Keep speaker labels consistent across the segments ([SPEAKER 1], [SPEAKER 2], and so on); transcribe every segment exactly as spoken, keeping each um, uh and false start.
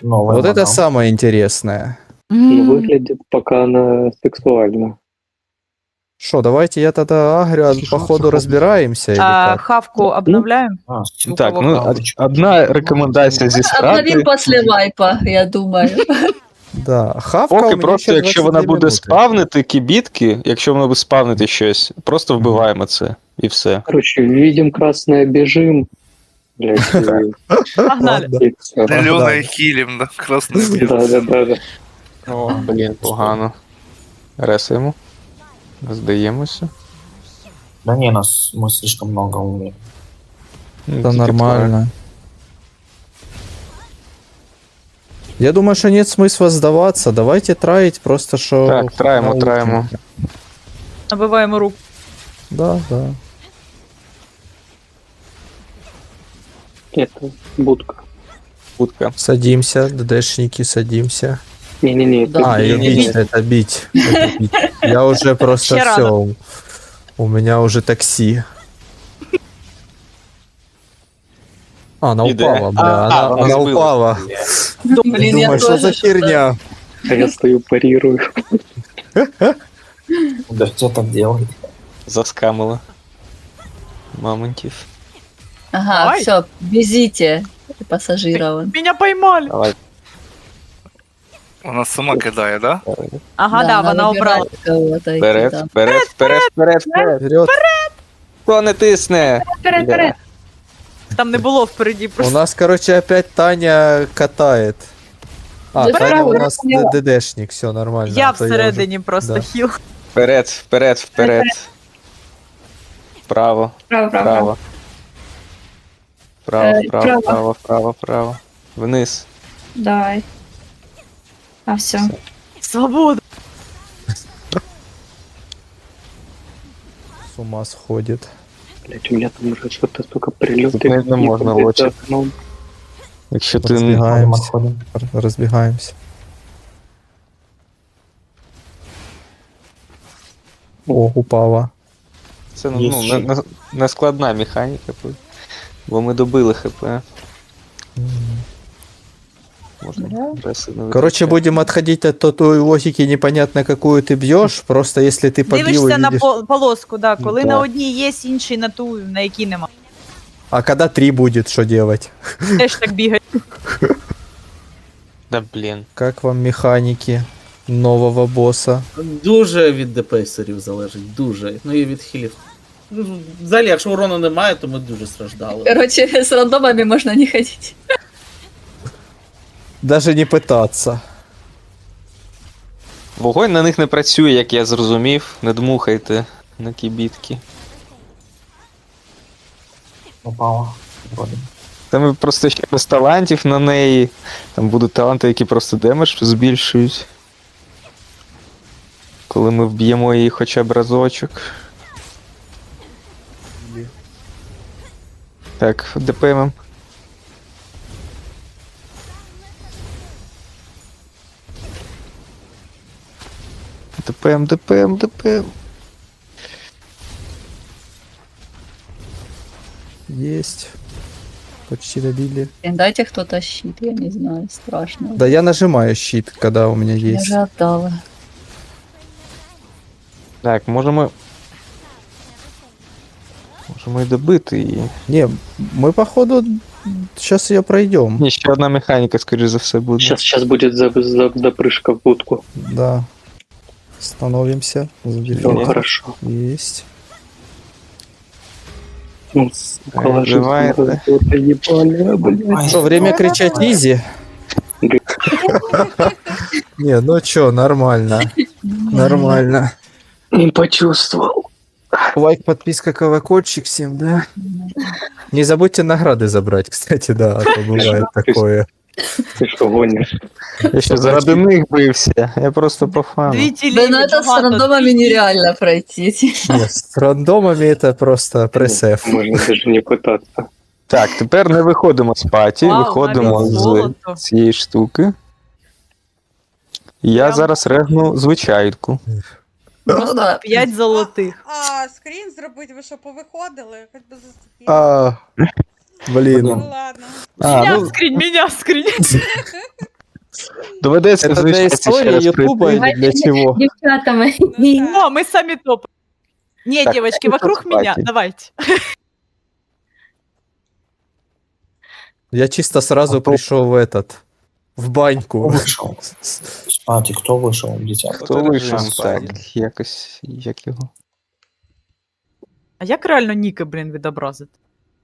[SPEAKER 1] Новый
[SPEAKER 2] Вот это
[SPEAKER 1] модал.
[SPEAKER 2] самое интересное.
[SPEAKER 3] Ну, выглядит пока она сексуально.
[SPEAKER 2] Что, давайте я тогда агрю, а по ходу разбираемся или
[SPEAKER 4] А,
[SPEAKER 2] как?
[SPEAKER 4] хавку обновляем?
[SPEAKER 1] А,
[SPEAKER 4] У
[SPEAKER 5] Так,
[SPEAKER 4] кого
[SPEAKER 5] ну,
[SPEAKER 4] хавка?
[SPEAKER 5] од- одна рекомендація зі
[SPEAKER 6] Обновим
[SPEAKER 5] страти.
[SPEAKER 6] после вайпа, я думаю.
[SPEAKER 2] Да, хавка у
[SPEAKER 5] Поки
[SPEAKER 2] меня
[SPEAKER 5] просто,
[SPEAKER 2] ще
[SPEAKER 5] якщо вона
[SPEAKER 2] двадцять дві
[SPEAKER 5] буде
[SPEAKER 2] минути.
[SPEAKER 5] спавнити кібітки, якщо вона буде спавнити щось, просто вбиваємо це і все.
[SPEAKER 3] Короче, видим красное, бежим. Блять, и-
[SPEAKER 4] Погнали.
[SPEAKER 3] и всё.
[SPEAKER 7] Зеленый хилим, да, красный белый.
[SPEAKER 3] Да, да, да, да.
[SPEAKER 5] О, блін, погано. Ресаємо. Здаємося.
[SPEAKER 1] Да не, нас мы слишком много умеем.
[SPEAKER 5] Ну,
[SPEAKER 2] Это
[SPEAKER 5] тільки
[SPEAKER 2] нормально. Я думаю, что нет смысла сдаваться. Давайте траить просто, что...
[SPEAKER 5] Так, траємо,
[SPEAKER 2] научим.
[SPEAKER 5] траємо.
[SPEAKER 4] Набиваємо руку.
[SPEAKER 2] Да, да.
[SPEAKER 3] Это будка.
[SPEAKER 5] Будка.
[SPEAKER 2] Садимся, ДДшники, садимся.
[SPEAKER 3] Не-не-не, это
[SPEAKER 2] А, ее
[SPEAKER 3] не-
[SPEAKER 2] бить, это бить. это бить. Я уже просто
[SPEAKER 4] Ще
[SPEAKER 2] все.
[SPEAKER 4] рано.
[SPEAKER 2] У меня уже такси. А, она
[SPEAKER 5] Иде.
[SPEAKER 2] упала, бля.
[SPEAKER 5] А,
[SPEAKER 2] она
[SPEAKER 5] она
[SPEAKER 2] она
[SPEAKER 5] сбилась.
[SPEAKER 2] упала.
[SPEAKER 6] Блин, я
[SPEAKER 2] Думаю, что за
[SPEAKER 6] тоже что-то-
[SPEAKER 2] херня?
[SPEAKER 3] А я стою, парирую.
[SPEAKER 1] Да кто так делает?
[SPEAKER 5] Заскамила. Мамонтів.
[SPEAKER 6] Ага,
[SPEAKER 4] Давай.
[SPEAKER 6] все, везите пассажиров.
[SPEAKER 4] Меня поймали.
[SPEAKER 5] Давай.
[SPEAKER 7] Она сама кидает, да?
[SPEAKER 4] Ага, да, вона обрала.
[SPEAKER 6] Кого-то идти
[SPEAKER 5] Вперед,
[SPEAKER 6] там.
[SPEAKER 5] вперед, вперед, вперед, вперед.
[SPEAKER 2] Вперед.
[SPEAKER 5] Хто не тисне?
[SPEAKER 6] Вперед, вперед.
[SPEAKER 4] Там не було впереді
[SPEAKER 2] У
[SPEAKER 4] просто.
[SPEAKER 2] нас, короче, опять Таня катает. А,
[SPEAKER 6] Да
[SPEAKER 2] Таня у
[SPEAKER 6] правда,
[SPEAKER 2] нас
[SPEAKER 6] я поняла.
[SPEAKER 2] д- ДДшник, все нормально.
[SPEAKER 4] Я
[SPEAKER 2] а то
[SPEAKER 4] всередині просто
[SPEAKER 2] да.
[SPEAKER 4] хіл.
[SPEAKER 5] Вперед, вперед, вперед. Вправо,
[SPEAKER 6] Право, право.
[SPEAKER 5] вправо. Вправо,
[SPEAKER 6] Е,
[SPEAKER 5] вправо,
[SPEAKER 6] право.
[SPEAKER 5] вправо, вправо, вправо. Вниз.
[SPEAKER 6] Давай. А все.
[SPEAKER 4] Свобода.
[SPEAKER 2] С ума сходит.
[SPEAKER 3] Блять, у меня там уже что-то столько прилетов.
[SPEAKER 5] Тут не- не можно лочить. Якщо ти не...
[SPEAKER 2] Разбегаемся.
[SPEAKER 1] Отходим.
[SPEAKER 2] Р- Разбегаемся. О, упала.
[SPEAKER 5] Це ну,
[SPEAKER 1] Є
[SPEAKER 5] ну,
[SPEAKER 1] ще.
[SPEAKER 5] не, не, не складна механіка, бо- бо ми добили ХП. Можна реси не
[SPEAKER 2] Короче,
[SPEAKER 5] витрачати.
[SPEAKER 2] будем отходить от той- той логики, непонятно какую ты бьешь. Просто если ты побил и
[SPEAKER 4] Дивишся на
[SPEAKER 2] видишь...
[SPEAKER 4] пол- полоску, да. Коли
[SPEAKER 2] Да.
[SPEAKER 4] на одній є, іншій на ту, на якій нема.
[SPEAKER 2] А когда три будет, что делать?
[SPEAKER 4] Теж так бігає.
[SPEAKER 5] Да блін.
[SPEAKER 2] Как вам механики нового босса?
[SPEAKER 8] Дуже від депесерів залежить, дуже. Ну і від хілів. Ну, взагалі, якщо урону немає, то ми дуже страждали.
[SPEAKER 6] Короче, с рандомами можно не ходить.
[SPEAKER 2] Даже не пытаться.
[SPEAKER 5] Вогонь на них не працює, як я зрозумів. Не дмухайте на кібітки.
[SPEAKER 1] Упала. Вроде.
[SPEAKER 5] Там просто ще без талантів на неї. Там будуть таланти, які просто демедж збільшують. Коли ми вб'ємо її хоча б разочок. Так, ДПМ. ДПМ, ДПМ, ДПМ.
[SPEAKER 2] Есть. Почти добили.
[SPEAKER 6] Дайте кто-то щит, я не знаю, страшно.
[SPEAKER 2] Да я нажимаю щит, когда у меня
[SPEAKER 6] Я
[SPEAKER 2] есть.
[SPEAKER 6] же отдала.
[SPEAKER 5] Так, можемо. Можемо і добити її.
[SPEAKER 2] Не, мы походу сейчас ее пройдем.
[SPEAKER 5] Ні, ще одна механіка, скоріш за все, буде.
[SPEAKER 3] Сейчас, сейчас будет за, за, запрыжка в будку.
[SPEAKER 2] Да. Становимся.
[SPEAKER 3] Все
[SPEAKER 2] Заберем.
[SPEAKER 3] хорошо.
[SPEAKER 2] Есть.
[SPEAKER 3] Ну, сука, ложись,
[SPEAKER 5] Давай,
[SPEAKER 3] ну,
[SPEAKER 5] да.
[SPEAKER 3] вот ебали, блядь.
[SPEAKER 2] Что, время кричать изи? Не, ну чё, нормально. Нормально.
[SPEAKER 3] Не почувствовал.
[SPEAKER 2] Лайк, подписка, колокольчик всем, да? Не забудьте награды забрать, кстати, да, а то бывает такое.
[SPEAKER 3] Ты что, гонишь?
[SPEAKER 5] Я ще заради них бився. Я просто по фану.
[SPEAKER 4] Дві
[SPEAKER 6] Да,
[SPEAKER 4] тілі.
[SPEAKER 6] ну это с рандомами нереально пройти.
[SPEAKER 2] Нет, с рандомами это просто пресс-эф.
[SPEAKER 3] Можно даже не пытаться.
[SPEAKER 5] Так, тепер не виходимо з паті,
[SPEAKER 4] Вау,
[SPEAKER 5] виходимо
[SPEAKER 4] навіть
[SPEAKER 5] з
[SPEAKER 4] золото.
[SPEAKER 5] цієї штуки. І Я
[SPEAKER 4] Прям-
[SPEAKER 5] зараз регну звичайку.
[SPEAKER 6] Ну да.
[SPEAKER 4] П'ять золотих.
[SPEAKER 9] А, скрін зробити, ви що, повиходили? Хоч би заступили.
[SPEAKER 2] А, блин.
[SPEAKER 9] Ну ладно.
[SPEAKER 5] А,
[SPEAKER 4] Меня
[SPEAKER 5] ну,
[SPEAKER 4] скрінь, меня скрінь.
[SPEAKER 5] Доведеться
[SPEAKER 2] Это для
[SPEAKER 5] звичайно ще
[SPEAKER 2] истории
[SPEAKER 5] раз
[SPEAKER 2] Ютуба
[SPEAKER 5] прийти.
[SPEAKER 2] или для чего?
[SPEAKER 6] Дівчатами.
[SPEAKER 9] Ну,
[SPEAKER 4] О, мы сами топ. Не,
[SPEAKER 5] Так,
[SPEAKER 4] девочки,
[SPEAKER 5] это
[SPEAKER 4] вокруг
[SPEAKER 5] кстати.
[SPEAKER 4] меня, давайте.
[SPEAKER 2] Я чисто сразу
[SPEAKER 1] А то-
[SPEAKER 2] пришел в этот, в
[SPEAKER 1] Кто
[SPEAKER 2] баньку.
[SPEAKER 1] вышел? Спати, кто вышел, дитя?
[SPEAKER 5] Хто вийшов?
[SPEAKER 2] Фоторежим,
[SPEAKER 5] Так, якось, як його.
[SPEAKER 4] А як реально ніки, блін, відобразити?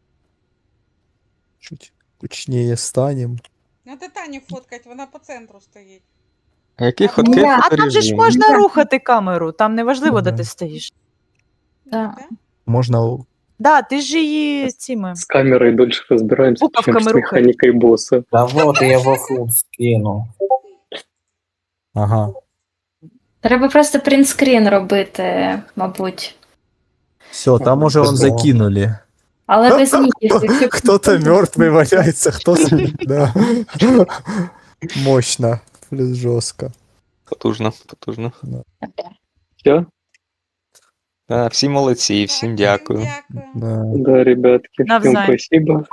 [SPEAKER 2] Чуть кучнее станем.
[SPEAKER 9] Надо Таню фоткать, вона по центру стоїть.
[SPEAKER 5] А який
[SPEAKER 9] А
[SPEAKER 5] ходки
[SPEAKER 6] я-
[SPEAKER 4] А там же ж
[SPEAKER 5] фоторежим?
[SPEAKER 4] можна рухати камеру, там не важливо, де
[SPEAKER 2] Ага.
[SPEAKER 4] ти стоїш.
[SPEAKER 6] Да.
[SPEAKER 2] Можно... у-
[SPEAKER 4] Да, ти ж її цими.
[SPEAKER 3] С камерой дольше разбираемся,
[SPEAKER 4] Буковками
[SPEAKER 3] чем с
[SPEAKER 4] рухай.
[SPEAKER 3] механикой босса.
[SPEAKER 1] Да вот, я его фут скину.
[SPEAKER 2] Ага.
[SPEAKER 6] Треба просто принтскрін робити, мабуть.
[SPEAKER 2] Все, там уже он
[SPEAKER 1] Здорово.
[SPEAKER 2] закинули.
[SPEAKER 6] Але без ніків. якщо-
[SPEAKER 2] Кто-то мертвый валяется, кто-то... Да. Мощно. Плюс жестко.
[SPEAKER 5] Потужно, потужно.
[SPEAKER 3] Все?
[SPEAKER 5] Да, всі молодці, всім
[SPEAKER 9] Так,
[SPEAKER 5] дякую.
[SPEAKER 9] Дякую.
[SPEAKER 2] Да.
[SPEAKER 3] Да, ребятки, всем
[SPEAKER 4] Навзаєм.
[SPEAKER 3] спасибо.